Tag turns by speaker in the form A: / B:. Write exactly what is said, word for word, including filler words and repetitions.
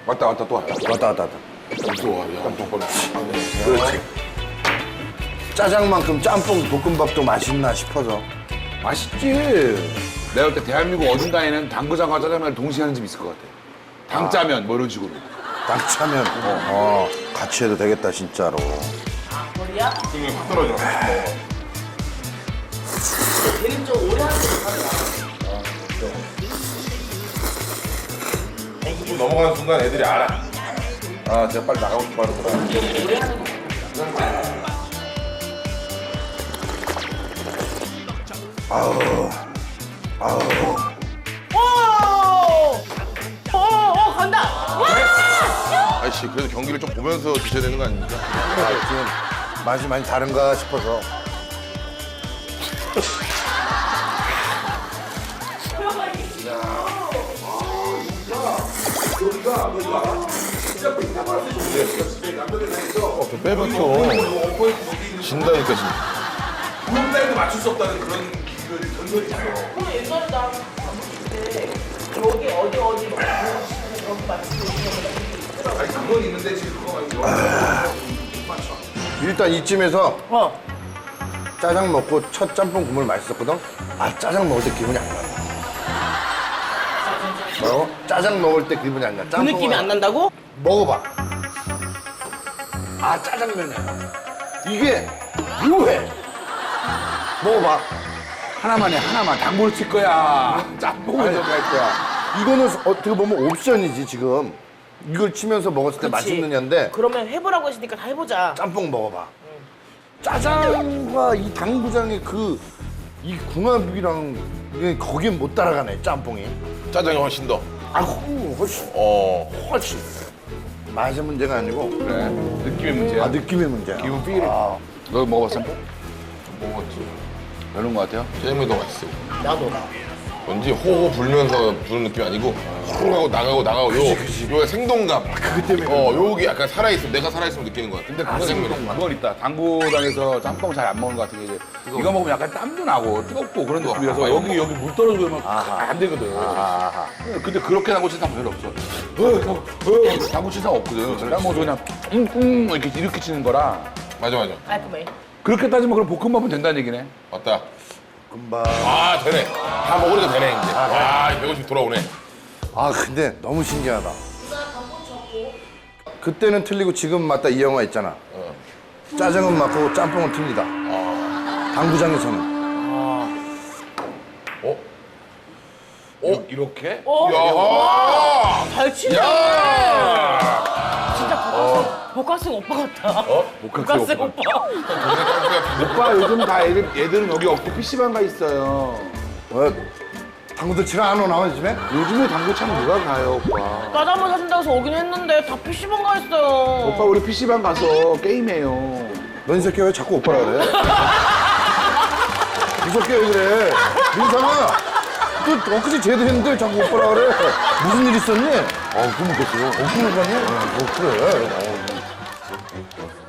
A: 왔다 왔다 또 왔다.
B: 왔다 왔다 왔다.
A: 또 와. 야, 짬뽕.
B: 그렇지. 짜장만큼 짬뽕 볶음밥도 맛있나 싶어서.
A: 맛있지. 내가 볼 때 대한민국 어딘가에는 당구장과 짜장면을 동시에 하는 집 있을 것 같아. 당짜면 뭐 이런 식으로.
B: 당차면 어, 같이 해도 되겠다 진짜로.
C: 머리야?
A: 등이 확 떨어져.
C: 걔는 좀 오래 하는 게 좋다.
A: 좀 넘어가는 순간 애들이 알아. 아, 제가 빨리 나가고 싶어 하는구나.
B: 아우 아우.
C: 오! 오! 오! 간다! 와!
D: 아이씨, 그래도 경기를 좀 보면서 드셔야 되는 거 아닙니까?
B: 아, 지금 맛이 많이 다른가 싶어서.
D: 어, 빼박혀. 진다니까, 진짜.
A: 한달도 맞출 수 없다는 그런 기술이 전설이 있어.
C: 근데 옛날에 나 봤을 때 여기 어디 어디 막 여기 맞추고 있는
A: 아니, 그건 있는데 지금 그거 말고.
B: 일단 이쯤에서
C: 어.
B: 짜장 먹고 첫 짬뽕 국물 맛있었거든? 아, 짜장 먹을 때 기분이 안 나. 뭐라고? 짜장 먹을 때 기분이 안 나.
C: 그
B: 짬뽕은
C: 느낌이 안 난다고?
B: 먹어봐. 아, 짜장면이야. 이게 묘해. 먹어봐.
A: 하나만 해, 하나만. 당구를 칠 거야. 짬뽕을 좀 할 거야.
B: 이거는 어떻게 보면 옵션이지, 지금. 이걸 치면서 먹었을 때
C: 그치.
B: 맛있느냐인데
C: 그러면 해보라고 했으니까 다 해보자.
B: 짬뽕 먹어봐. 짜장과 이 당구장의 그, 이 궁합이랑 이게 거긴 못 따라가네, 짬뽕이.
D: 짜장이 훨씬 더.
B: 아, 후, 훨씬,
D: 어.
B: 훨씬. 맛의 문제가 아니고
A: 그래. 느낌의 문제야.
B: 아, 느낌의 문제야.
A: 기분 필.
B: 아,
A: 너 먹어봤어? 짬뽕?
D: 먹었지.
A: 별론 것 같아요?
D: 짜장면이 더 맛있어.
C: 나도.
D: 왠지 호호 불면서 부는 느낌이 아니고 호호 하고 나가고 나가고 요, 요 생동감.
B: 그것 때문에
D: 어, 요게 약간 살아있으면 내가 살아있으면 느끼는 거야.
A: 근데
D: 아,
A: 그건,
D: 짜장면이.
A: 그건 있다. 당구장에서 짬뽕 잘 안 먹는 것 같은 게 이제 이거 먹으면 약간 땀도 나고 뜨겁고 그런 느낌이라서
D: 아,
A: 여기 여기 물 떨어지면
B: 아하.
A: 안 되거든.
B: 아하.
A: 근데 그렇게 당구 치는 사람 별로 없어. 어, 어, 어, 당구 치는 사람 없거든. 난 뭐 그냥 웅웅 이렇게 이렇게 치는 거라.
D: 맞아, 맞아.
C: 깔끔해.
A: 그렇게 따지면 그럼 볶음밥은 된다는 얘기네.
D: 맞다.
B: 금방.
D: 아, 되네. 다 먹으니까 되네, 이제. 와, 백오십 돌아오네.
B: 아, 근데 너무 신기하다. 그때는 틀리고 지금 맞다 이 영화 있잖아. 짜장은 맞고 짬뽕은 틀리다. 당구장에서는.
D: 어?
A: 어? 이렇게?
C: 어?
D: 야하!
C: 잘 치네.
D: 야!
C: 진짜 복학생 오빠 같다.
D: 어?
C: 복학생 오빠.
A: 오빠 요즘 다 애들, 애들은 여기 없고 피시방 가 있어요.
B: 어, 당구들 치러 안 오나, 요즘에?
A: 요즘에 당구장 누가 가요, 오빠?
C: 짜장면 사준다고 해서 오긴 했는데 다 피시방 가 있어요.
A: 오빠 우리 피시방 가서 게임해요.
B: 너 이 새끼 왜 자꾸 오빠라 그래? 이 새끼 왜 그래? 민상아! 너 엊그제 제대로 했는데 자꾸 오빠라 그래? 무슨 일 있었니?
A: 어, 그럼 먹겠어요.
B: 어, 그러니? 어, 그래. 어,